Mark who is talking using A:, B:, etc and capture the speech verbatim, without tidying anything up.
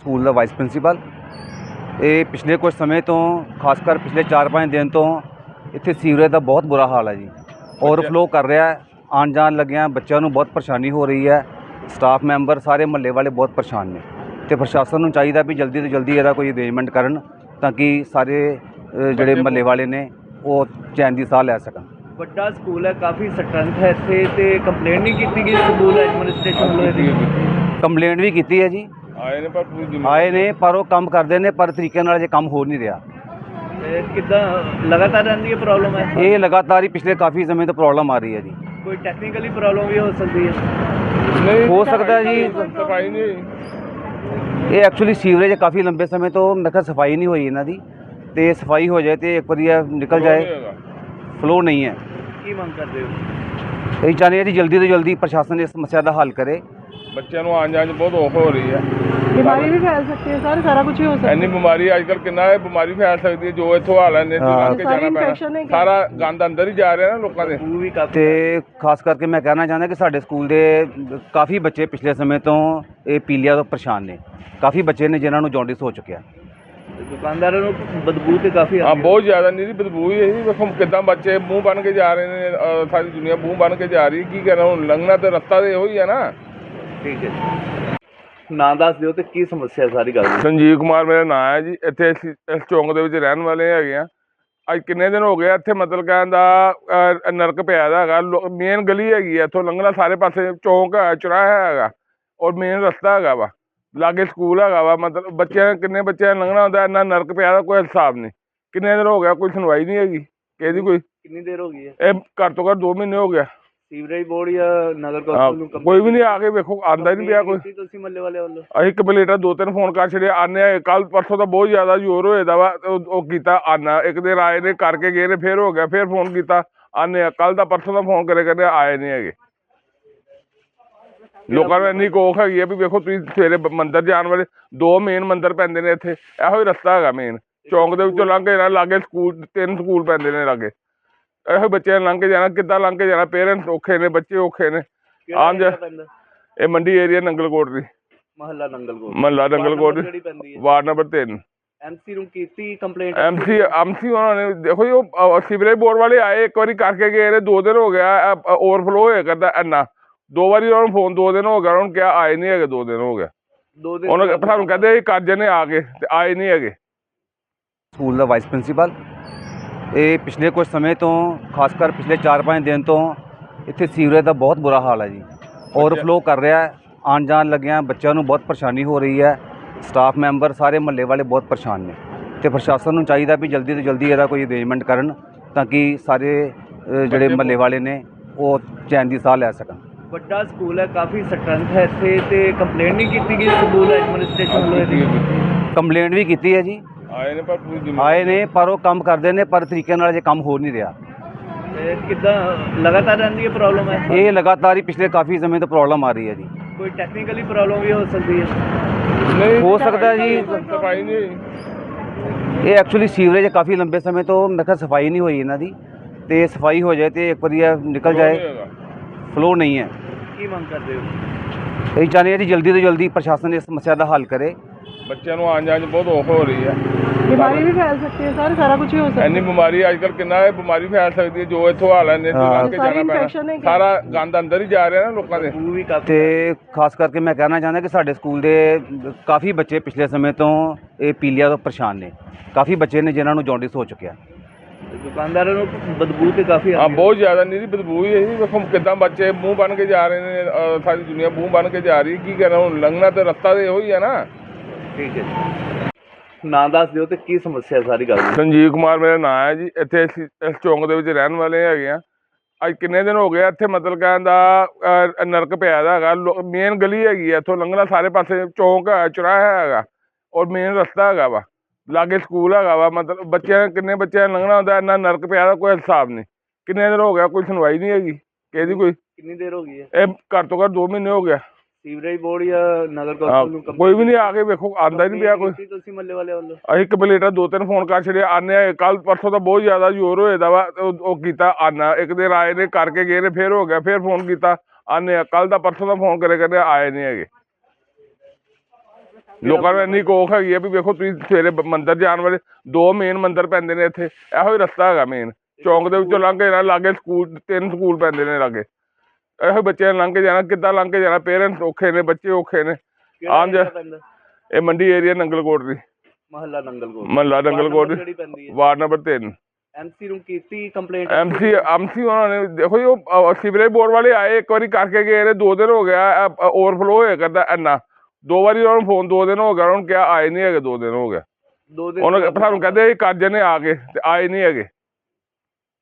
A: School ਦਾ vice principal. ਇਹ ਪਿਛਲੇ ਕੁਝ ਸਮੇਂ ਤੋਂ ਖਾਸ ਕਰ ਪਿਛਲੇ ਚਾਰ ਪੰਜ ਦਿਨ ਤੋਂ ਇੱਥੇ ਸੀਵਰੇਜ ਦਾ ਬਹੁਤ ਬੁਰਾ ਹਾਲ ਹੈ ਜੀ। ਓਵਰਫਲੋ ਕਰ ਰਿਹਾ ਹੈ, ਆਉਣ ਜਾਣ ਲੱਗਿਆਂ ਬੱਚਿਆਂ ਨੂੰ ਬਹੁਤ ਪਰੇਸ਼ਾਨੀ ਹੋ ਰਹੀ ਹੈ। ਸਟਾਫ ਮੈਂਬਰ ਸਾਰੇ ਮਹੱਲੇ ਵਾਲੇ ਬਹੁਤ ਪਰੇਸ਼ਾਨ ਨੇ ਅਤੇ ਪ੍ਰਸ਼ਾਸਨ ਨੂੰ ਚਾਹੀਦਾ ਵੀ ਜਲਦੀ ਤੋਂ ਜਲਦੀ ਇਹਦਾ ਕੋਈ ਅਰੇਂਜਮੈਂਟ ਕਰਨ ਤਾਂ ਕਿ ਸਾਰੇ ਅ, ਜਿਹੜੇ ਮਹੱਲੇ ਵਾਲੇ ਨੇ ਉਹ ਚੈਨ ਦੀ ਸਾਹ ਲੈ ਸਕਣ।
B: ਵੱਡਾ ਸਕੂਲ ਹੈ, ਕਾਫੀ ਸਟਰੈਂਥ ਹੈ ਇੱਥੇ, ਤੇ ਕੰਪਲੇਂਟ ਨਹੀਂ ਕੀਤੀ ਗਈ ਸਕੂਲ ਐਡਮਿਨਿਸਟ੍ਰੇਸ਼ਨ ਵੱਲੋਂ ਇਹਦੀ?
A: ਕੰਪਲੇਂਟ ਵੀ ਕੀਤੀ ਹੈ ਜੀ,
C: ਆਏ ਨੇ ਪਰ ਪੂਰੀ
A: ਆਏ ਨੇ ਪਰ ਉਹ ਕੰਮ ਕਰਦੇ ਨੇ ਪਰ ਤਰੀਕੇ ਨਾਲ ਅਜੇ ਕੰਮ ਹੋ ਨਹੀਂ ਰਿਹਾ।
B: ਤੇ ਕਿੱਦਾਂ ਲਗਾਤਾਰ ਰਹਿੰਦੀ ਹੈ ਪ੍ਰੋਬਲਮ ਹੈ?
A: ਇਹ ਲਗਾਤਾਰ ਹੀ ਪਿਛਲੇ ਕਾਫੀ ਸਮੇਂ ਤੋਂ ਪ੍ਰੋਬਲਮ ਆ ਰਹੀ ਹੈ ਜੀ।
B: ਕੋਈ ਟੈਕਨੀਕਲੀ ਪ੍ਰੋਬਲਮ ਵੀ ਹੋ ਸਕਦੀ ਹੈ?
C: ਨਹੀਂ
A: ਹੋ ਸਕਦਾ ਜੀ।
C: ਸਫਾਈ ਨਹੀਂ ਹੋਈ।
A: ਇਹ ਐਕਚੁਅਲੀ ਸੀਵਰੇਜ ਕਾਫੀ ਲੰਬੇ ਸਮੇਂ ਤੋਂ ਮੈਂ ਕਿਹਾ ਸਫਾਈ ਨਹੀਂ ਹੋਈ ਇਹਨਾਂ ਦੀ, ਤੇ ਸਫਾਈ ਹੋ ਜਾਏ ਤੇ ਇੱਕ ਵਾਰੀ ਇਹ ਨਿਕਲ ਜਾਏ, ਫਲੋ ਨਹੀਂ ਹੈ।
B: ਕੀ ਮੰਗ ਕਰਦੇ ਹੋ?
A: ਅਸੀਂ ਚਾਹੁੰਦੇ ਹਾਂ ਜੀ ਜਲਦੀ ਤੋਂ ਜਲਦੀ ਪ੍ਰਸ਼ਾਸਨ ਇਸ ਸਮੱਸਿਆ ਦਾ ਹੱਲ ਕਰੇ।
C: ਬੱਚਿਆਂ ਨੂੰ ਆਉਣ ਜਾਣ 'ਚ ਬਹੁਤ ਔਖ ਹੋ ਰਹੀ ਹੈ।
B: ਬਿਮਾਰੀ ਵੀ ਫੈਲ ਸਕਦੀ ਹੈ ਸਰ, ਸਾਰਾ ਕੁਝ ਹੀ ਹੋ ਸਕਦਾ ਹੈ।
C: ਇੰਨੀ ਬਿਮਾਰੀ ਅੱਜ ਕੱਲ੍ਹ ਕਿੰਨਾ ਹੈ, ਬਿਮਾਰੀ ਫੈਲ ਸਕਦੀ ਹੈ। ਜੋ ਇੱਥੋਂ ਹਾਲ ਨੇ ਲੰਘ ਕੇ ਜਾਣਾ ਪੈਣਾ, ਸਾਰਾ ਗੰਦ ਅੰਦਰ ਹੀ ਜਾ ਰਿਹਾ ਨਾ ਲੋਕਾਂ ਦੇ।
B: ਉਹ ਵੀ ਕਾਫੀ
A: ਤੇ ਖਾਸ ਕਰਕੇ ਮੈਂ ਕਹਿਣਾ ਚਾਹੁੰਦਾ ਕਿ ਸਾਡੇ ਸਕੂਲ ਦੇ ਕਾਫੀ ਬੱਚੇ ਪਿਛਲੇ ਸਮੇਂ ਤੋਂ ਇਹ ਪੀਲੀਆ ਤੋਂ ਪਰੇਸ਼ਾਨ ਨੇ। ਕਾਫੀ ਬੱਚੇ ਨੇ ਜਿਨ੍ਹਾਂ ਨੂੰ ਜੌਂਡਿਸ ਹੋ ਚੁੱਕਿਆ।
B: ਦੁਕਾਨਦਾਰਾਂ ਨੂੰ ਬਦਬੂ ਤੇ ਕਾਫੀ
C: ਹਾਂ, ਬਹੁਤ ਜ਼ਿਆਦਾ ਨਹੀਂ ਬਦਬੂ ਹੀ ਹੈ ਜੀ। ਵੇਖੋ ਕਿੱਦਾਂ ਬੱਚੇ ਮੂੰਹ ਬਣ ਕੇ ਜਾ ਰਹੇ ਨੇ, ਅ, ਸਾਰੀ ਦੁਨੀਆ ਮੂੰਹ ਬਣ ਕੇ ਜਾ ਰਹੀ ਹੈ। ਕੀ ਕਹਿਣਾ, ਹੁਣ ਲੰਘਣਾ ਤੇ ਰਸਤਾ ਤੇ ਇਹੋ ਹੀ ਹੈ ਨਾ।
B: ਠੀਕ ਹੈ ਜੀ, ਨਾਂ ਦੱਸ ਦਿਓ ਤੇ ਕੀ ਸਮੱਸਿਆ ਸਾਰੀ ਗੱਲ ਦੀ?
C: ਸੰਜੀਵ ਕੁਮਾਰ ਮੇਰਾ ਨਾਂ ਹੈ ਜੀ। ਇੱਥੇ ਅਸੀਂ ਇਸ ਚੌਂਕ ਦੇ ਵਿੱਚ ਰਹਿਣ ਵਾਲੇ ਹੈਗੇ ਆ। ਅੱਜ ਕਿੰਨੇ ਦਿਨ ਹੋ ਗਏ ਇੱਥੇ, ਮਤਲਬ ਕਹਿਣ ਦਾ ਅ, ਨਰਕ ਪਿਆ ਦਾ ਹੈਗਾ। ਮੇਨ ਗਲੀ ਹੈਗੀ ਹੈ, ਇੱਥੋਂ ਲੰਘਣਾ ਸਾਰੇ ਪਾਸੇ ਚੌਂਕ ਹੈ, ਚੁਰਾਹਾ ਹੈਗਾ ਔਰ ਮੇਨ ਰਸਤਾ ਹੈਗਾ ਵਾ, ਲਾਗੇ ਸਕੂਲ ਹੈਗਾ ਵਾ। ਮਤਲਬ ਬੱਚਿਆਂ ਕਿੰਨੇ ਬੱਚਿਆਂ ਨੇ ਲੰਘਣਾ ਹੁੰਦਾ, ਇੰਨਾ ਨਰਕ ਪਿਆ ਦਾ ਕੋਈ ਹਿਸਾਬ ਨਹੀਂ। ਕਿੰਨੇ ਦਿਨ ਹੋ ਗਿਆ, ਕੋਈ ਸੁਣਵਾਈ ਨਹੀਂ ਹੈਗੀ ਕਿਹਦੀ। ਕੋਈ
B: ਕਿੰਨੀ ਦੇਰ ਹੋ ਗਈ ਹੈ?
C: ਇਹ ਘੱਟ ਤੋਂ ਘੱਟ ਦੋ ਮਹੀਨੇ ਹੋ ਗਿਆ।
B: ਸੀਵਰੇਜ ਬੋਰਡ ਜਾਂ ਨਗਰ ਕੌਂਸਲ ਨੂੰ
C: ਹਾਂ, ਕੋਈ ਵੀ ਨਹੀਂ ਆ ਕੇ ਵੇਖੋ, ਆਉਂਦਾ ਹੀ ਨਹੀਂ ਪਿਆ ਕੋਈ।
B: ਤੁਸੀਂ ਮੱਲੇ ਵਾਲੇ ਵੱਲੋਂ?
C: ਅਸੀਂ ਕੰਪਲੀਟਰ ਦੋ ਤਿੰਨ ਫੋਨ ਕਰ ਛੱਡੇ, ਆਉਂਦੇ ਆ। ਕੱਲ ਪਰਸੋਂ ਤਾਂ ਬਹੁਤ ਜ਼ਿਆਦਾ ਜ਼ੋਰ ਹੋਏ ਦਾ ਵਾ, ਉਹ ਉਹ ਕੀਤਾ ਆਉਣਾ। ਇੱਕ ਦਿਨ ਆਏ ਨੇ, ਕਰਕੇ ਗਏ ਨੇ, ਫਿਰ ਹੋ ਗਿਆ, ਫਿਰ ਫੋਨ ਕੀਤਾ ਆਉਂਦੇ ਆ। ਕੱਲ ਦਾ ਪਰਸੋਂ ਦਾ ਫੋਨ ਕਰੇ ਕਰਦੇ ਆਏ ਨਹੀਂ ਹੈਗੇ। ਲੋਕਾਂ ਨੂੰ ਇੰਨੀ ਕੋਖ ਹੈਗੀ ਆ ਵੀ ਵੇਖੋ ਤੁਸੀਂ ਸਵੇਰੇ ਮੰਦਿਰ ਜਾਣ ਵਾਲੇ ਦੋ ਮੇਨ ਮੰਦਿਰ ਪੈਂਦੇ ਨੇ ਇੱਥੇ, ਇਹੋ ਹੀ ਰਸਤਾ ਹੈਗਾ ਮੇਨ ਚੌਂਕ ਦੇ ਵਿੱਚੋਂ ਲੰਘ ਕੇ ਜਾਣਾ। ਲਾਗੇ ਸਕੂਲ ਤਿੰਨ ਸਕੂਲ ਪੈਂਦੇ ਨੇ ਲਾਗੇ, ਇਹੋ ਬੱਚਿਆਂ ਨੇ ਲੰਘ ਕੇ ਜਾਣਾ। ਕਿੱਦਾਂ ਲੰਘ ਕੇ ਜਾਣਾ? ਪੇਰੈਂਟਸ ਔਖੇ ਨੇ, ਬੱਚੇ ਔਖੇ ਨੇ। ਆਮ ਜਾ ਇਹ ਮੰਡੀ ਏਰੀਆ ਨੰਗਲਕੋਟ ਦੀ,
B: ਮਹੱਲਾ ਨੰਗਲਕੋਟ,
C: ਮਹੱਲਾ ਨੰਗਲਕੋਟ, ਵਾਰਡ ਨੰਬਰ ਤਿੰਨ।
B: ਐਮਸੀ ਨੂੰ ਕੀਤੀ ਕੰਪਲੇਂਟ?
C: ਐਮਸੀ ਐਮਸੀ ਉਹਨਾਂ ਨੇ ਦੇਖੋ ਜੀ, ਉਹ ਸੀਵਰੇਜ ਬੋਰਡ ਵਾਲੇ ਆਏ, ਇੱਕ ਵਾਰੀ ਕਰਕੇ ਗਏ ਨੇ। ਦੋ ਦਿਨ ਹੋ ਗਿਆ ਓਵਰਫਲੋ ਹੋਇਆ ਕਰਦਾ ਇੰਨਾ। ਦੋ ਵਾਰੀ ਉਹਨਾਂ ਨੂੰ ਫੋਨ, ਦੋ ਦਿਨ ਹੋ ਗਿਆ ਉਹਨਾਂ ਨੂੰ ਕਿਹਾ, ਆਏ ਨਹੀਂ ਹੈਗੇ। ਦੋ ਦਿਨ ਹੋ ਗਿਆ
B: ਦੋ ਦਿਨ
C: ਉਹਨਾਂ ਸਾਨੂੰ ਕਹਿੰਦੇ ਕਰ ਜਨੇ ਆ ਕੇ, ਤੇ ਆਏ ਨਹੀਂ ਹੈਗੇ।
A: ਸਕੂਲ ਦਾ ਵਾਈਸ ਪ੍ਰਿੰਸੀਪਲ। ਇਹ ਪਿਛਲੇ ਕੁਝ ਸਮੇਂ ਤੋਂ ਖਾਸ ਕਰ ਪਿਛਲੇ ਚਾਰ ਪੰਜ ਦਿਨ ਤੋਂ ਇੱਥੇ ਸੀਵਰੇਜ ਦਾ ਬਹੁਤ ਬੁਰਾ ਹਾਲ ਹੈ ਜੀ। ਓਵਰਫਲੋ ਕਰ ਰਿਹਾ ਹੈ, ਆਉਣ ਜਾਣ ਲੱਗਿਆਂ ਬੱਚਿਆਂ ਨੂੰ ਬਹੁਤ ਪਰੇਸ਼ਾਨੀ ਹੋ ਰਹੀ ਹੈ। ਸਟਾਫ ਮੈਂਬਰ ਸਾਰੇ ਮਹੱਲੇ ਵਾਲੇ ਬਹੁਤ ਪਰੇਸ਼ਾਨ ਨੇ ਅਤੇ ਪ੍ਰਸ਼ਾਸਨ ਨੂੰ ਚਾਹੀਦਾ ਵੀ ਜਲਦੀ ਤੋਂ ਜਲਦੀ ਇਹਦਾ ਕੋਈ ਅਰੇਂਜਮੈਂਟ ਕਰਨ ਤਾਂ ਕਿ ਸਾਰੇ ਅ, ਜਿਹੜੇ ਮਹੱਲੇ ਵਾਲੇ ਨੇ ਉਹ ਚੈਨ ਦੀ ਸਾਹ ਲੈ ਸਕਣ।
B: ਵੱਡਾ ਸਕੂਲ ਹੈ, ਕਾਫੀ ਸਟਰੈਂਥ ਹੈ ਇੱਥੇ, ਤੇ ਕੰਪਲੇਂਟ ਨਹੀਂ ਕੀਤੀ ਗਈ ਸਕੂਲ ਐਡਮਿਨਿਸਟ੍ਰੇਸ਼ਨ ਵੱਲੋਂ ਇਹਦੀ?
A: ਕੰਪਲੇਂਟ ਵੀ ਕੀਤੀ ਹੈ ਜੀ,
C: ਆਏ ਨੇ ਪਰ ਪੂਰੀ
A: ਆਏ ਨੇ ਪਰ ਉਹ ਕੰਮ ਕਰਦੇ ਨੇ ਪਰ ਤਰੀਕੇ ਨਾਲ ਅਜੇ ਕੰਮ ਹੋ ਨਹੀਂ ਰਿਹਾ।
B: ਤੇ ਕਿੱਦਾਂ ਲਗਾਤਾਰ ਰਹਿੰਦੀ ਹੈ ਪ੍ਰੋਬਲਮ ਹੈ?
A: ਇਹ ਲਗਾਤਾਰ ਹੀ ਪਿਛਲੇ ਕਾਫੀ ਸਮੇਂ ਤੋਂ ਪ੍ਰੋਬਲਮ ਆ ਰਹੀ ਹੈ ਜੀ।
B: ਕੋਈ ਟੈਕਨੀਕਲੀ ਪ੍ਰੋਬਲਮ ਵੀ ਹੋ ਸਕਦੀ ਹੈ?
C: ਨਹੀਂ
A: ਹੋ ਸਕਦਾ ਜੀ।
C: ਸਫਾਈ ਨਹੀਂ ਹੋਈ।
A: ਇਹ ਐਕਚੁਅਲੀ ਸੀਵਰੇਜ ਕਾਫੀ ਲੰਬੇ ਸਮੇਂ ਤੋਂ ਮੈਂ ਕਿਹਾ ਸਫਾਈ ਨਹੀਂ ਹੋਈ ਇਹਨਾਂ ਦੀ, ਤੇ ਸਫਾਈ ਹੋ ਜਾਏ ਤੇ ਇੱਕ ਵਾਰੀ ਇਹ ਨਿਕਲ ਜਾਏ, ਫਲੋ ਨਹੀਂ ਹੈ।
B: ਕੀ ਮੰਗ ਕਰਦੇ ਹੋ?
A: ਅਸੀਂ ਚਾਹੁੰਦੇ ਹਾਂ ਜੀ ਜਲਦੀ ਤੋਂ ਜਲਦੀ ਪ੍ਰਸ਼ਾਸਨ ਇਸ ਸਮੱਸਿਆ ਦਾ ਹੱਲ ਕਰੇ।
C: ਬੱਚਿਆਂ ਨੂੰ ਆਉਣ ਜਾਣ 'ਚ ਬਹੁਤ ਔਖ ਹੋ ਰਹੀ ਹੈ।
B: ਬਿਮਾਰੀ ਵੀ ਫੈਲ ਸਕਦੀ ਹੈ ਸਰ, ਸਾਰਾ ਕੁਝ ਹੀ ਹੋ ਸਕਦਾ ਹੈ।
C: ਇੰਨੀ ਬਿਮਾਰੀ ਅੱਜ ਕੱਲ੍ਹ ਕਿੰਨਾ ਹੈ, ਬਿਮਾਰੀ ਫੈਲ ਸਕਦੀ ਹੈ। ਜੋ ਇੱਥੋਂ ਹਾਲ ਨੇ ਲੰਘ ਕੇ ਜਾਣਾ ਪੈਣਾ, ਸਾਰਾ ਗੰਦ ਅੰਦਰ ਹੀ ਜਾ ਰਿਹਾ ਨਾ ਲੋਕਾਂ ਦੇ।
B: ਉਹ ਵੀ ਕਾਫੀ
A: ਤੇ ਖਾਸ ਕਰਕੇ ਮੈਂ ਕਹਿਣਾ ਚਾਹੁੰਦਾ ਕਿ ਸਾਡੇ ਸਕੂਲ ਦੇ ਕਾਫੀ ਬੱਚੇ ਪਿਛਲੇ ਸਮੇਂ ਤੋਂ ਇਹ ਪੀਲੀਆ ਤੋਂ ਪਰੇਸ਼ਾਨ ਨੇ। ਕਾਫੀ ਬੱਚੇ ਨੇ ਜਿਨ੍ਹਾਂ ਨੂੰ ਜੌਂਡਿਸ ਹੋ ਚੁੱਕਿਆ।
B: ਦੁਕਾਨਦਾਰਾਂ ਨੂੰ ਬਦਬੂ ਤੇ ਕਾਫੀ
C: ਹਾਂ, ਬਹੁਤ ਜ਼ਿਆਦਾ ਨਹੀਂ ਬਦਬੂ ਹੀ ਹੈ ਜੀ। ਵੇਖੋ ਕਿੱਦਾਂ ਬੱਚੇ ਮੂੰਹ ਬਣ ਕੇ ਜਾ ਰਹੇ ਨੇ, ਅ, ਸਾਰੀ ਦੁਨੀਆ ਮੂੰਹ ਬਣ ਕੇ ਜਾ ਰਹੀ ਹੈ। ਕੀ ਕਹਿਣਾ, ਹੁਣ ਲੰਘਣਾ ਤੇ ਰਸਤਾ ਤੇ ਇਹੋ ਹੀ ਹੈ ਨਾ।
B: ਠੀਕ ਹੈ ਜੀ, ਨਾਂ ਦੱਸ ਦਿਓ ਤੇ ਕੀ ਸਮੱਸਿਆ ਸਾਰੀ ਗੱਲ ਦੀ?
C: ਸੰਜੀਵ ਕੁਮਾਰ ਮੇਰਾ ਨਾਂ ਹੈ ਜੀ। ਇੱਥੇ ਅਸੀਂ ਇਸ ਚੌਂਕ ਦੇ ਵਿੱਚ ਰਹਿਣ ਵਾਲੇ ਹੈਗੇ ਆ। ਅੱਜ ਕਿੰਨੇ ਦਿਨ ਹੋ ਗਏ ਇੱਥੇ, ਮਤਲਬ ਕਹਿਣ ਦਾ ਅ, ਨਰਕ ਪਿਆ ਦਾ ਹੈਗਾ। ਮੇਨ ਗਲੀ ਹੈਗੀ ਹੈ, ਇੱਥੋਂ ਲੰਘਣਾ ਸਾਰੇ ਪਾਸੇ ਚੌਂਕ ਹੈ, ਚੁਰਾਹਾ ਹੈਗਾ ਔਰ ਮੇਨ ਰਸਤਾ ਹੈਗਾ ਵਾ, ਲਾਗੇ ਸਕੂਲ ਹੈਗਾ ਵਾ। ਮਤਲਬ ਬੱਚਿਆਂ ਕਿੰਨੇ ਬੱਚਿਆਂ ਨੇ ਲੰਘਣਾ ਹੁੰਦਾ, ਇੰਨਾ ਨਰਕ ਪਿਆ ਦਾ ਕੋਈ ਹਿਸਾਬ ਨਹੀਂ। ਕਿੰਨੇ ਦਿਨ ਹੋ ਗਿਆ, ਕੋਈ ਸੁਣਵਾਈ ਨਹੀਂ ਹੈਗੀ ਕਿਹਦੀ। ਕੋਈ
B: ਕਿੰਨੀ ਦੇਰ ਹੋ ਗਈ ਹੈ?
C: ਇਹ ਘੱਟ ਤੋਂ ਘੱਟ ਦੋ ਮਹੀਨੇ ਹੋ ਗਿਆ।
B: ਸੀਵਰੇਜ ਬੋਰਡ ਜਾਂ ਨਗਰ ਕੌਂਸਲ ਨੂੰ
C: ਕੋਈ ਵੀ ਨਹੀਂ ਆ ਕੇ ਵੇਖੋ, ਆਉਂਦਾ ਹੀ ਨਹੀਂ ਪਿਆ ਕੋਈ।
B: ਤੁਸੀਂ ਮੱਲੇ ਵਾਲੇ ਵੱਲੋਂ?
C: ਅਸੀਂ ਕੰਪਲੀਟਰ ਦੋ ਤਿੰਨ ਫੋਨ ਕਰ ਛੱਡੇ, ਆਉਂਦੇ ਆ। ਕੱਲ ਪਰਸੋਂ ਤਾਂ ਬਹੁਤ ਜ਼ਿਆਦਾ ਜ਼ੋਰ ਹੋਏ ਦਾ ਵਾ, ਉਹ ਉਹ ਕੀਤਾ ਆਉਣਾ। ਇੱਕ ਦਿਨ ਆਏ ਨੇ, ਕਰਕੇ ਗਏ ਨੇ, ਫਿਰ ਹੋ ਗਿਆ, ਫਿਰ ਫੋਨ ਕੀਤਾ ਆਉਂਦੇ ਆ। ਕੱਲ ਦਾ ਪਰਸੋਂ ਦਾ ਫੋਨ ਕਰੇ ਕਰਦੇ ਆਏ ਨਹੀਂ ਹੈਗੇ। ਲੋਕਾਂ ਨੂੰ ਇੰਨੀ ਕੋਖ ਹੈਗੀ ਆ ਵੀ ਵੇਖੋ ਤੁਸੀਂ ਸਵੇਰੇ ਬ- ਮੰਦਿਰ ਜਾਣ ਵਾਲੇ ਦੋ ਮੇਨ ਮੰਦਿਰ ਪੈਂਦੇ ਨੇ ਇੱਥੇ, ਇਹੋ ਹੀ ਰਸਤਾ ਹੈਗਾ ਮੇਨ ਚੌਂਕ ਦੇ ਵਿੱਚੋਂ ਲੰਘ ਕੇ ਜਾਣਾ, ਲਾਗੇ ਸਕੂਲ ਤਿੰਨ ਸਕੂਲ ਪੈਂਦੇ ਨੇ ਲਾਗੇ, ਇਹੋ ਬੱਚਿਆਂ ਨੇ ਲੰਘ ਕੇ ਜਾਣਾ, ਕਿੱਦਾਂ ਲੰਘ ਕੇ ਜਾਣਾ, ਪੇਰੈਂਟਸ ਔਖੇ ਨੇ, ਬੱਚੇ ਔਖੇ ਨੇ।
B: ਕਿਹੜਾ
C: ਆਮ ਜਾ
B: area ਪੈਂਦਾ?
C: ਇਹ ਮੰਡੀ ਏਰੀਆ ਨੰਗਲਕੋਟ ਦੀ,
B: ਮਹੱਲਾ ਨੰਗਲਕੋਟ,
C: ਮਹੱਲਾ ਨੰਗਲਕੋਟ
B: ਜਿਹੜੀ ਪੈਂਦੀ ਹੈ।
C: ਵਾਰਡ ਨੰਬਰ ਤਿੰਨ।
B: ਐਮਸੀ ਨੂੰ ਕੀਤੀ ਕੰਪਲੇਂਟ?
C: ਐਮਸੀ ਐਮਸੀ ਉਹਨਾਂ ਨੇ ਦੇਖੋ ਜੀ ਉਹ ਸੀਵਰੇਜ ਬੋਰਡ ਵਾਲੇ ਆਏ, ਇੱਕ ਵਾਰੀ ਕਰਕੇ ਗਏ ਨੇ, ਦੋ ਦਿਨ ਹੋ ਗਿਆ ਓਵਰਫਲੋ ਹੋਇਆ ਕਰਦਾ ਇੰਨਾ, ਦੋ ਵਾਰੀ ਉਹਨਾਂ ਨੂੰ ਫੋਨ ਦੋ ਦਿਨ ਹੋ ਗਿਆ, ਉਹਨਾਂ ਨੂੰ ਕਿਹਾ ਆਏ ਨਹੀਂ ਹੈਗੇ, ਦੋ ਦਿਨ ਹੋ ਗਿਆ।
B: ਦੋ ਦਿਨ
C: ਉਹਨਾਂ ਸਾਨੂੰ ਕਹਿੰਦੇ ਕਰ ਜਨੇ ਆ ਕੇ ਤੇ ਆਏ ਨਹੀਂ ਹੈਗੇ।